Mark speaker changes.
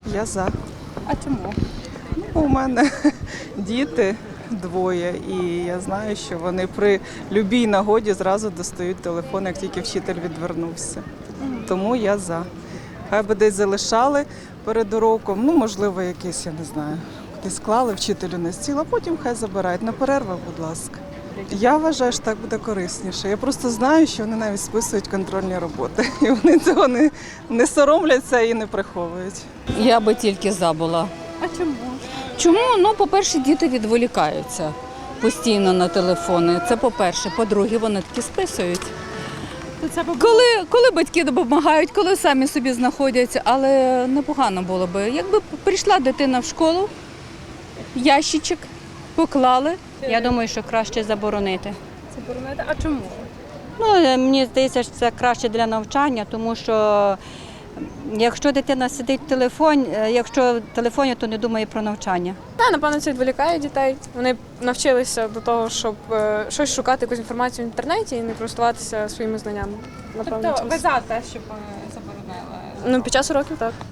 Speaker 1: Я за.
Speaker 2: А чому?
Speaker 1: У мене діти двоє, і я знаю, що вони при любій нагоді зразу достають телефон, як тільки вчитель відвернувся. Тому я за. Хай би десь залишали перед уроком, ну, можливо, якесь, я не знаю, десь склали вчителю на стіл, а потім хай забирають. На перервах, будь ласка. Я вважаю, що так буде корисніше. Я просто знаю, що вони навіть списують контрольні роботи. І вони цього не соромляться і не приховують.
Speaker 2: Я би тільки за була.
Speaker 3: А чому?
Speaker 2: Чому? Ну, по-перше, діти відволікаються постійно на телефони. Це по-перше. По-друге, вони такі списують. Коли батьки допомагають, коли самі собі знаходяться, але непогано було б. Якби прийшла дитина в школу, ящичок поклали.
Speaker 4: Я думаю, що краще заборонити.
Speaker 3: Заборонити? А чому?
Speaker 4: Ну, мені здається, що це краще для навчання, тому що якщо дитина сидить в телефоні, якщо в телефоні, то не думає про навчання.
Speaker 3: Напевно, це відволікає дітей. Вони навчилися до того, щоб щось шукати, якусь інформацію в інтернеті і не користуватися своїми знаннями. Напевно,
Speaker 5: Тобто ви за те, щоб заборонили?
Speaker 3: Ну, під час уроків так.